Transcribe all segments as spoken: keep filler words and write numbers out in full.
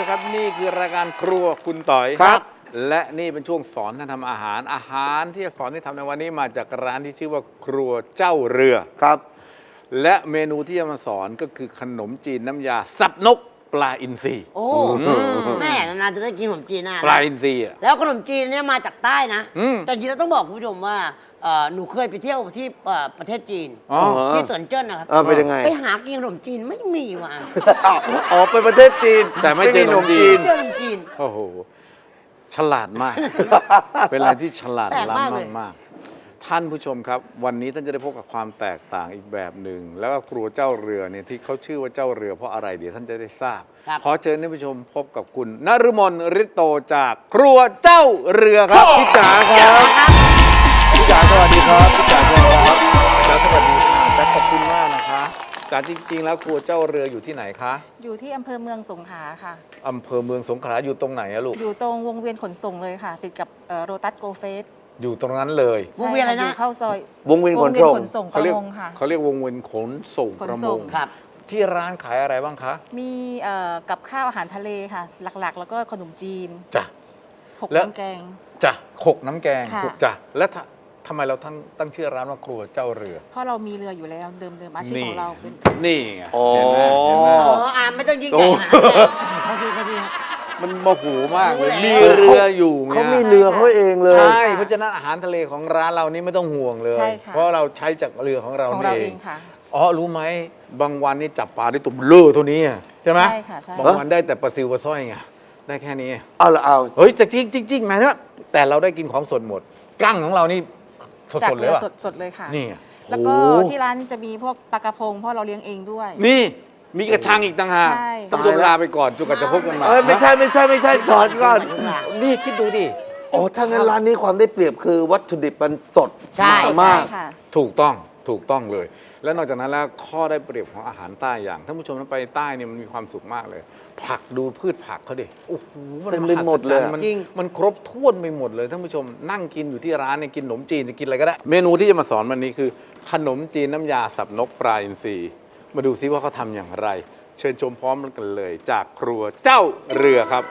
นะครับนี่คือรายการครัวคุณต่อยครับและนี่เป็นช่วงสอนท่านทำอาหารอาหารที่จะสอนให้ทำในวันนี้มาจากร้านที่ชื่อว่าครัวเจ้าเรือครับและเมนูที่จะมาสอนก็คือขนมจีนน้ำยาสับนกปลาอินทรีโอ้แม่นานๆจะได้กินขนมจีนนะปลาอินทรีแล้วขนมจีนเนี่ยมาจากใต้นะแต่จริงๆต้องบอกคุณผู้ชมว่าหนูเคยไปเที่ยวที่ประเทศจีนที่เซินเจิ้นนะครับเป็นยังไงไปหากินขนมจีนไม่มีว่ะอ๋อไปประเทศจีนแต่ไม่เจอขนมจีนเจอขนมจีนโอ้โหฉลาดมากเป็นอะไรที่ฉลาดล้ำมากๆท่านผู้ชมครับวันนี้ท่านจะได้พบกับความแตกต่างอีกแบบหนึ่งแล้วก็ครัวเจ้าเรือเนี่ยที่เขาชื่อว่าเจ้าเรือเพราะอะไรเดี๋ยวท่านจะได้ทราบขอเชิญท่านผู้ชมพบกับคุณนฤมลฤทธิ์โตจากครัวเจ้าเรือครับพี่จ๋าครับพี่จ๋าสวัสดีครับพี่จ๋าสวัสดีครับจ๋าสวัสดีค่ะจ๋าขอบคุณมากนะคะจ๋าจริงๆแล้วครัวเจ้าเรืออยู่ที่ไหนคะอยู่ที่อำเภอเมืองสงขลาค่ะอำเภอเมืองสงขลาอยู่ตรงไหนอะลูกอยู่ตรงวงเวียนขนส่งเลยค่ะติดกับโรตัสโกเฟสอยู่ตรงนั้นเลยวงเวียนอะไรนะเข้าซอยวงเวียนขนส่งเขาเรียกค่ะเขาเรียกวงเวียนขนส่งประมงครับที่ร้านขายอะไรบ้างคะมีกับข้าวอาหารทะเลค่ะหลักๆ แล้วก็ขนมจีนจ้ะหกน้ำแกงจ้ะหกน้ำแกงจ้ะและทำไมเราตั้งตั้งชื่อร้านว่าครัวเจ้าเรือเพราะเรามีเรืออยู่แล้วเดิมเดิมอาชีพของเราเป็นนี่ไงอ๋ออ่าไม่ต้องยิ่งใหญ่นะโอเคครับพี่มันโมโหมากเลยมีเรืออยู่เขามีเรือเขาเองเลยใช่เพราะฉะนั้นอาหารทะเลของร้านเรานี่ไม่ต้องห่วงเลยเพราะเราใช้จากเรือของเราเองอ๋อรู้ไหมบางวันนี่จับปลาได้ตุ่มเลือเท่านี้ใช่ไหมใช่ค่ะบางวันได้แต่ปลาซิวปลาสร้อยไงได้แค่นี้เอาละเอาเฮ้ยแต่จริงจริงจริงหมายถึงว่าแต่เราได้กินของสดหมดกั้งของเรานี่สดสดเลยว่ะสดเลยค่ะนี่แล้วก็ที่ร้านจะมีพวกปลากระพงเพราะเราเลี้ยงเองด้วยนี่มีกระชังอีกต่างหากต้องลาไปก่อนจนกว่าจะพบกันใหม่ไม่ใช่ไม่ใช่ไม่ใช่สอนก่อนนี่คิดดูดิอ๋อถ้างั้นร้านนี้ความได้เปรียบคือวัตถุดิบมันสดมากถูกต้องถูกต้องเลยแล้วนอกจากนั้นแล้วข้อได้เปรียบของอาหารใต้อย่างท่านผู้ชมนั้นไปใต้เนี่ยมันมีความสุขมากเลยผักดูพืชผักเขาดิโอ้โหเต็มไปหมดเลยมันมันครบถ้วนไปหมดเลยท่านผู้ชมนั่งกินอยู่ที่ร้านเนี่ยกินขนมจีนจะกินอะไรก็ได้เมนูที่จะมาสอนวันนี้คือขนมจีนน้ำยาสับนกปลาอินทรีมาดูซิว่าเขาทำอย่างไรเชิญชมพร้อมกันเลยจากครัวเจ้าเรือครับ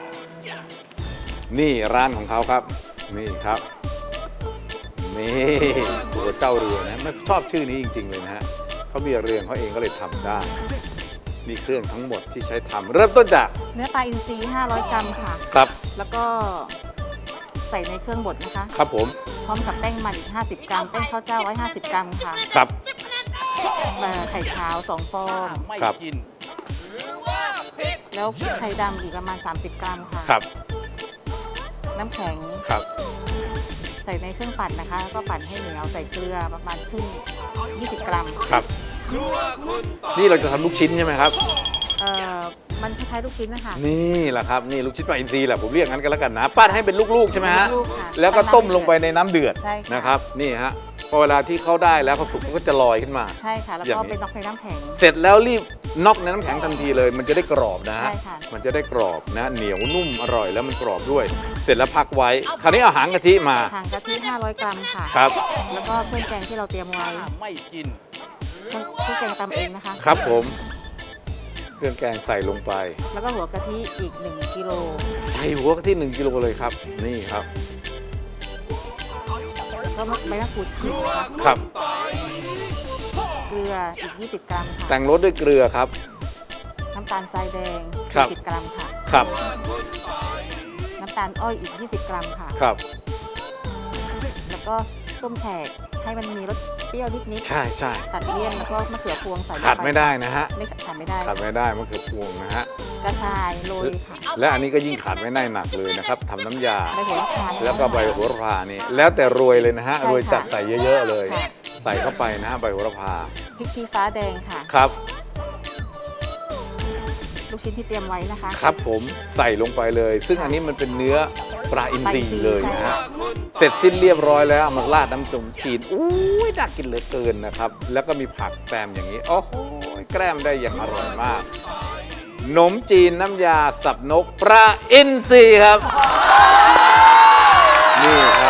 นี่ร้านของเขาครับนี่ครับนี่ครัวเจ้าเรือนะไม่ชอบชื่อนี้จริงๆเลยนะฮะเขามีเรือนเขาเองก็เลยทำได้มีเครื่องทั้งหมดที่ใช้ทำเริ่มต้นจากเนื้อปลาอินทรีห้าร้อยกรัมค่ะครับแล้วก็ใส่ในเครื่องบดนะคะครับผมพร้อมกับแป้งมันอีกห้าสิบกรัมแป้งข้าวเจ้าไว้ห้าสิบกรัมค่ะครับไข่ขาวสองฟองครับแล้วไข่ดำอีกประมาณสามสิบกรัมค่ะครับน้ำแข็งครับใส่ในเครื่องปั่นนะคะแล้วก็ปั่นให้เหนียวใส่เกลือประมาณครึ่งยี่สิบกรัมครับนี่เราจะทำลูกชิ้นใช่ไหมครับเอ่อมันคล้ายๆลูกชิ้นนะคะนี่แหละครับนี่ลูกชิ้นปลาอินทรีแหละผมเรียกงั้นกันแล้วกันนะปั้นให้เป็นลูกๆใช่ไหมฮะแล้วก็ต้มลงไปในน้ำเดือดนะครับนี่ฮะพอเวลาที่เขาได้แล้วเขาสุกเขาก็จะลอยขึ้นมาใช่ค่ะแล้วก็ไปน็อกในน้ำแข็งเสร็จแล้วรีบน็อกในน้ำแข็งทันทีเลยมันจะได้กรอบนะฮะมันจะได้กรอบนะเหนียวนุ่มอร่อยแล้วมันกรอบด้วยเสร็จแล้วพักไว้คราวนี้เอาหางกะทิมาหางกะทิห้าร้อยกรัมค่ะครับแล้วก็เครื่องแกงที่เราเตรียมไว้ไม่กินเครื่องแกงตำเองนะคะครับผมเครื่องแกงใส่ลงไปแล้วก็หัวกะทิอีกหนึ่งกิโลใส่หัวกะทิหนึ่งกิโลเลยครับนี่ครับก็ใบมะกรูดฉีกครับเกลืออีกยี่สิบกรัมค่ะแต่งรสด้วยเกลือครับน้ำตาลทรายแดงยี่สิบกรัมค่ะครับน้ำตาลอ้อยอีกยี่สิบกรัมค่ะครับแล้วก็ส้มแขกให้มันมีรสเปรี้ยวนิดๆใช่ใช่ตัดเลี่ยนแล้วก็มะเขือพวงใส่ขาดไม่ได้นะฮะไม่ขาดไม่ได้ขาดไม่ได้มะเขือพวงนะฮะกระชายโรยค่ะและอันนี้ก็ยิ่งขาดไม่ได้หนักเลยนะครับทำน้ำยาใบโหระพาแล้วก็ใบโหระพานี่แล้วแต่รวยเลยนะฮะรวยจัดใส่เยอะๆเลยใส่เข้าไปนะฮะใบโหระพาพริกชี้ฟ้าแดงค่ะครับลูกชิ้นที่เตรียมไว้นะคะครับผมใส่ลงไปเลยซึ่งอันนี้มันเป็นเนื้อปลาอินทรีเลยนะฮะเสร็จสิ้นเรียบร้อยแล้วเอามาราดน้ำส้มจีนอุ้ยน่ากินเหลือเกินนะครับแล้วก็มีผักแกล้มอย่างนี้โอ้โหแกล้มได้อย่างอร่อยมากขนมจีนน้ำยาสับนกปลาอินทรีครับนี่ครับ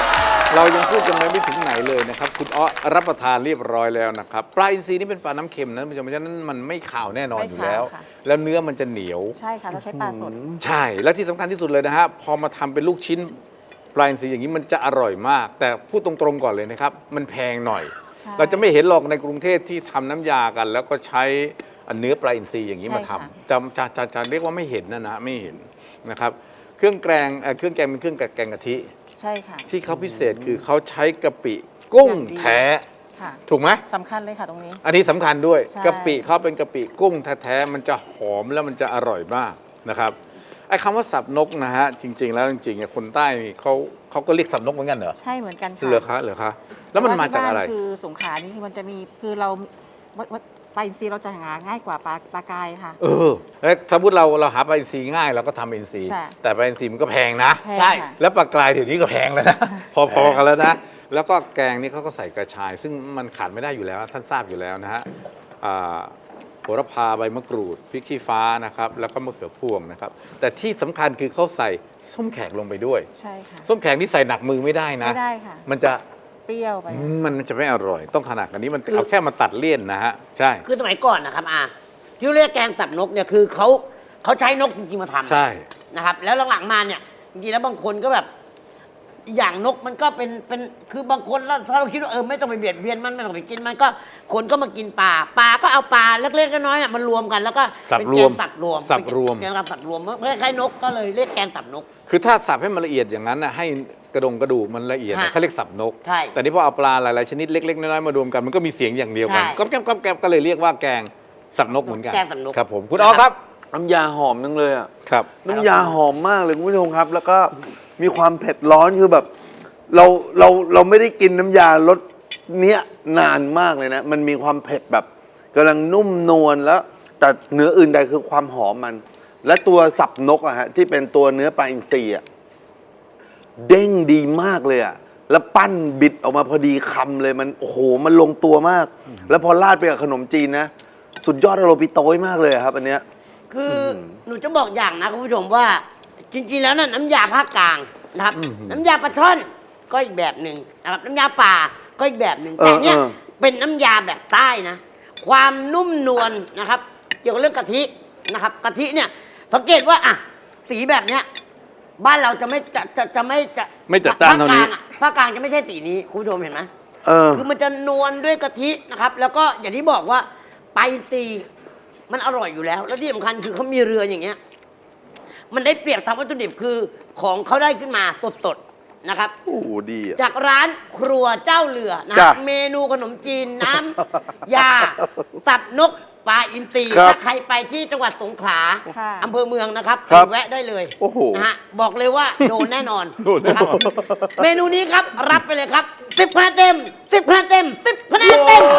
เรายังพูดกันไม่ถึงไหนเลยนะครับคุณอ้อรับประทานเรียบร้อยแล้วนะครับปลาอินทรีนี่เป็นปลาน้ำเค็มนะเพราะฉะนั้นมันไม่ขาวแน่นอนอยู่แล้วไม่ขาวค่ะแล้วเนื้อมันจะเหนียวใช่ค่ะเราใช้ปลาสดใช่ และที่สำคัญที่สุดเลยนะฮะพอมาทำเป็นลูกชิ้นปลาอินทรีอย่างนี้มันจะอร่อยมาก แต่พูดตรงๆก่อนเลยนะครับ มันแพงหน่อยใช่เราจะไม่เห็นหรอกในกรุงเทพที่ทำน้ำยากัน แล้วก็ใช้เนื้อปลาอินทรีอย่างนี้มาทำจะจะจะจะเรียกว่าไม่เห็นนะนะไม่เห็นนะครับเครื่องแกงเอ่อเครื่องแกงเป็นเครื่องแกงกะทิใช่ค่ะที่เขาพิเศษคือเขาใช้กะปิกุ้งอย่างดีแท้ค่ะถูกไหมสำคัญเลยค่ะตรงนี้อันนี้สำคัญด้วยใช่กะปิเขาเป็นกะปิกุ้งแท้ๆมันจะหอมแล้วมันจะอร่อยมากนะครับไอ้คำว่าสับนกนะฮะจริง ๆ แล้วจริงๆเนี่ยคนใต้นี่เขาเขาก็เรียกสับนกเหมือนกันเหรอใช่เหมือนกันค่ะเหรอคะเหรอคะแล้วมันมาจากอะไรแต่ว่ที่บ้นคือสงขลานี่คือมันจะมีคือเราวัดวัดปลาอินทรีเราจะหาง่ายกว่าปลาปลากายค่ะเออแล้วถ้าพูดเราเราหาปลาอินทรีง่ายเราก็ทำอินทรีใช่แต่ปลาอินทรีมันก็แพงนะแพงใช่ค่ะแล้วปลากรายเดี๋ยวนี้ก็แพงแล้วนะ พอๆกันแล้วนะ แล้วก็แกงนี่เขาก็ใส่กระชาย ซึ่งมันขาดไม่ได้อยู่แล้วท่านทราบอยู่แล้วนะฮะอ่าโหระพาใบมะกรูดพริกชี้ฟ้านะครับแล้วก็มะเขือพวงนะครับแต่ที่สำคัญคือเขาใส่ส้มแขกลงไปด้วยใช่ค่ะส้มแขกนี่ใส่หนักมือไม่ได้นะไม่ได้ค่ะมันจะเปรี้ยวไปอืมมันจะไม่อร่อย ต้องขนาดกันนี้มันคือเอาแค่มาตัดเลี่ยนนะฮะใช่คือสมัยก่อนนะครับอาที่เรียกแกงสับนกเนี่ยคือเขาเขาใช้นกจริงๆมาทำใช่นะครับ แล้วหลังๆมาเนี่ยจริงๆแล้วบางคนก็แบบอย่างนกมันก็เป็นเป็นคือบางคนแล้วถ้าเราคิดว่าเออไม่ต้องไปเบียดเบียนมันไม่ต้องไปกินมันก็คนก็มากินปลาปลาก็เอาปลาเล็กๆน้อยๆน่ะมันรวมกันแล้วก็สับเป็นรแกวมงสับรวมสับรวมแกงสับรวมคล้ายๆนกก็เลยเรียกแกงสับนกคือถ้าสับให้มันละเอียดอย่างนั้นนะให้กระดงกระดูกมันละเอียดนะฮะเขาเรียกสับนกใช่แต่นี่พอเอาปลาหลายๆชนิดเล็กๆน้อยๆมารวมกันมันก็มีเสียงอย่างเดียวกันใช่ก็แก๊บก็แก๊บก็เลยเรียกว่าแกงสับนกเหมือนกันแกงสับนกครับผมคุณอ๋อครับน้ำยาหอมจังเลยอ่ะครับน้ำยาหอมมากเลยคุณผู้ชมครับ แล้วก็มีความเผ็ดร้อนคือแบบ เราเราเราไม่ได้กินน้ำยารสเนี้ยนานมากเลยนะ มันมีความเผ็ดแบบกำลังนุ่มนวลแล้ว แต่เนื้ออื่นใดคือความหอมมัน และตัวสับนกอะฮะที่เป็นตัวเนื้อปลาอินทรีอะเด้งดีมากเลยอะแล้วปั้นบิดออกมาพอดีคำเลยมันโอ้โหมันลงตัวมาก แล้วพอราดไปกับขนมจีนนะ สุดยอดอโรปิโต้ยมากเลยอะครับ อันเนี้ยคือหนูจะบอกอย่างนะคุณผู้ชมว่า จริงๆแล้วน่ะน้ำยาภาคกลางนะครับ น้ำยาปลาช่อนก็อีกแบบหนึ่งนะครับน้ำยาป่าก็อีกแบบหนึ่งเออแต่เนี้ยเออเป็นน้ำยาแบบใต้นะ ความนุ่มนวลนะครับ เกี่ยวกับเรื่องกะทินะครับกะทิเนี่ยสังเกตว่าอ่ะสีแบบเนี้ยบ้านเราจะไม่จะจะจะไม่จะไม่จัดจ้านเท่านี้ภคกลงอะภาคกลางจะไม่ใช่สีนี้คุณผู้ชมเห็นไหมเออคือมันจะนวลด้วยกะทินะครับ แล้วก็อย่างที่บอกว่าไปตีมันอร่อยอยู่แล้ว แล้วที่สำคัญคือเขามีเรืออย่างเงี้ย มันได้เปรียบทางวัตถุดิบคือของเขาได้ขึ้นมาสดๆนะครับโอ้โหดีอะจากร้านครัวเจ้าเรือนะจ้ะเมนูขนมจีนน้ำ ยาสับนกปลาอินทรีครับถ้าใครไปที่จังหวัดสงขลาค่ะอำเภอเมืองนะครับครับไปแวะได้เลยโอ้โหนะฮะบอกเลยว่าโดนแน่นอนโดนแน่นอนะครับเมนูนี้ครับรับไปเลยครับสิบคะแนนเต็มสิบคะแนนเต็มสิบคะแนนเต็ม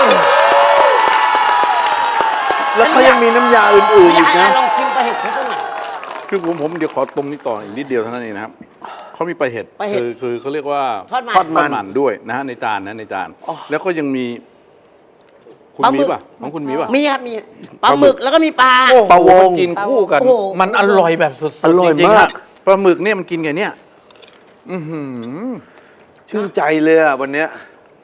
แล้วเขายังมีน้ำยาอื่นๆอยาอีกกให้นะลองชิมปลาเห็ดเขาสักหน่อยคือผมผมเดี๋ยวขอตรงนี้ต่ออีกนิดเดียวเท่านั้นเองนะครับเขามีปลาเห็ดปลาเห็ดคือคือเขาเรียกว่าทอดมันทอดทอดมันด้วยนะฮะในจานนะในจานอ๋อแล้วก็ยังมี คุณปลาหมึมีกป่ะของคุณมีป่ะมีครับมีปลาหมึกแล้วก็มีปลาโอ้โหปลาวงกินคู่กันโอ้โหมันอร่อยแบบสุดๆอร่อยจงๆมากฮะปลาหมึกเนี่ยมันกินกันเนี่ยอือหือชื่นใจเลยอะวันเนี้ย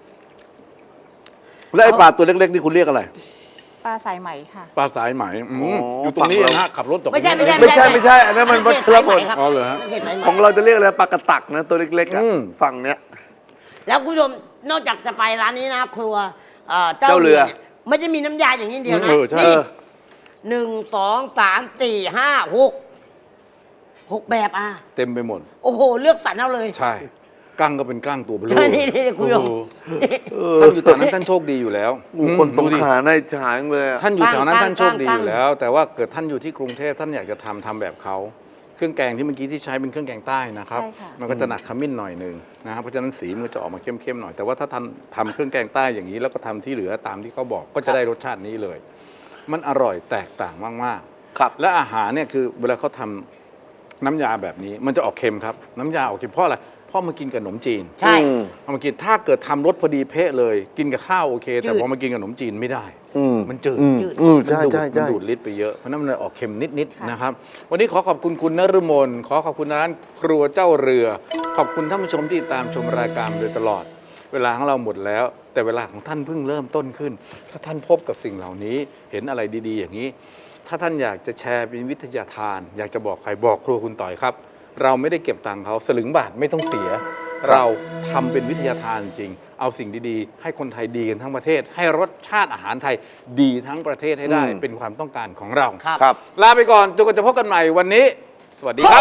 แล้วไอ้ปลาตัวเล็กๆนี่คุณเรียกอะไรปลาสายไหมค่ะปลาสายไหมอืมอ๋อออยู่ตรงนี้ฝั่งเรานะฮะขับรถตกไม่ใช่ไม่ใช่ไม่ใช่ไม่ใช่อันนั้นมันวัชรพลครับอ๋อเหรอฮะไม่ใช่สายไหมของเราจะเรียกอะไรปลากระตักนะตัวเล็กๆอะอืมฝั่งเนี้ยแล้วคุณผู้ชมนอกจากจะไปร้านนี้นะครัวเอ่อเจ้าเจ้าเรือเรือเนี่ยไม่จะมีน้ำยาอย่างนี้เดียวนะเออใช่นี่เออหนึ่งสองสามสี่ห้าหกหกแบบอ่ะเต็มไปหมดโอ้โห เลือกสรรเอาเลยใช่กั้งก็เป็นกั้งตัวเบลอใช่นี่นี่คุณผู้ชมโอ้โหท่านอยู่แถวนั้นท่านโชคดีอยู่แล้วโอ้โหคนสงดูดิขลาในฉางเลยอะท่านอยู่แถวนั้นกั้งท่านโชคดีกั้งอยู่แล้ว แต่ว่าเกิดท่านอยู่ที่กรุงเทพท่านอยากจะทำทำแบบเขาเครื่องแกงที่เมื่อกี้ที่ใช้เป็นเครื่องแกงใต้นะครับใช่ค่ะมันก็จะหนักขมิ้นหน่อยหนึ่งนะครับเพราะฉะนั้นสีมันก็จะออกมาเข้มๆหน่อยแต่ว่าถ้าท่านทำเครื่องแกงใต้อย่างนี้แล้วก็ทำที่เหลือตามที่เขาบอกก็จะได้รสชาตินี้เลย มันอร่อยแตกต่างมากๆครับและอาหารเนี่ยคือเวลาเขาทำน้ำยาแบบนี้มันจะออกเค็มครับ น้ำยาออกเค็มเพราะอะไรเพราะมากินกับขนมจีนใช่อืมเอามากินถ้าเกิดทำรสพอดีเป๊ะเลย กินกับข้าวโอเค แต่จืดพอมากินกับขนมจีนไม่ได้อืมมันจืดอืมจืดอืมใช่มันดูดใช่ใช่มันดูดลิ้นไปเยอะเพราะนั้นมันเลยออกเค็มนิดค่ะๆนะครับ วันนี้ขอขอบคุณคุณนฤมลขอขอบคุณร้านครัวเจ้าเรือขอบคุณท่านผู้ชมที่ตามชมรายการมาโดยตลอด เวลาของเราหมดแล้ว แต่เวลาของท่านเพิ่งเริ่มต้นขึ้น ถ้าท่านพบกับสิ่งเหล่านี้เห็นอะไรดีๆ อย่างนี้ ถ้าท่านอยากจะแชร์เป็นวิทยาทาน อยากจะบอกใครบอกครัวคุณต่อยครับ เราไม่ได้เก็บตังค์เขาสลึงบาทไม่ต้องเสีย เราทำเป็นวิทยาทานจริง เอาสิ่งดีๆ ให้คนไทยดีกันทั้งประเทศ ให้รสชาติอาหารไทยดีทั้งประเทศให้ได้อืมเป็นความต้องการของเราครับครับลาไปก่อนจนกว่าจะพบกันใหม่วันนี้ สวัสดีครับ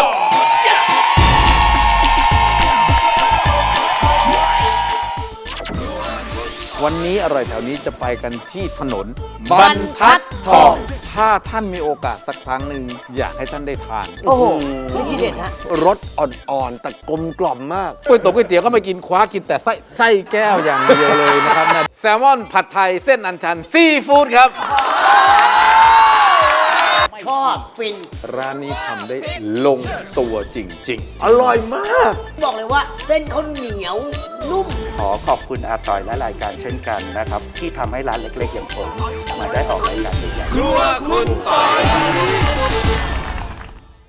วันนี้อร่อยแถวนี้จะไปกันที่ถนนบรรทัดทองถ้าท่านมีโอกาสสักครั้งหนึ่งอยากให้ท่านได้ทานโอ้โหนี่ทีเด็ดฮะรสอ่อนๆ แต่กลมกล่อมมากก๋วยเตี๋ยวก๋วยเตี๋ยวก็ไม่กินคว้ากินแต่ไส้ไส้แก้วอย่างเดียวเลยนะครับนะแซลมอนผัดไทยเส้นอัญชันซีฟู้ดครับชอบฟินร้านนี้ทำได้ลงตัวจริง ๆอร่อยมากบอกเลยว่าเส้นเขาเหนียวนุ่มขอขอบคุณอาต่อยและรายการเช่นกันนะครับ ที่ทำให้ร้านเล็กๆ อย่างผม มาได้ออกรายการใหญ่ๆครัวคุณต่อย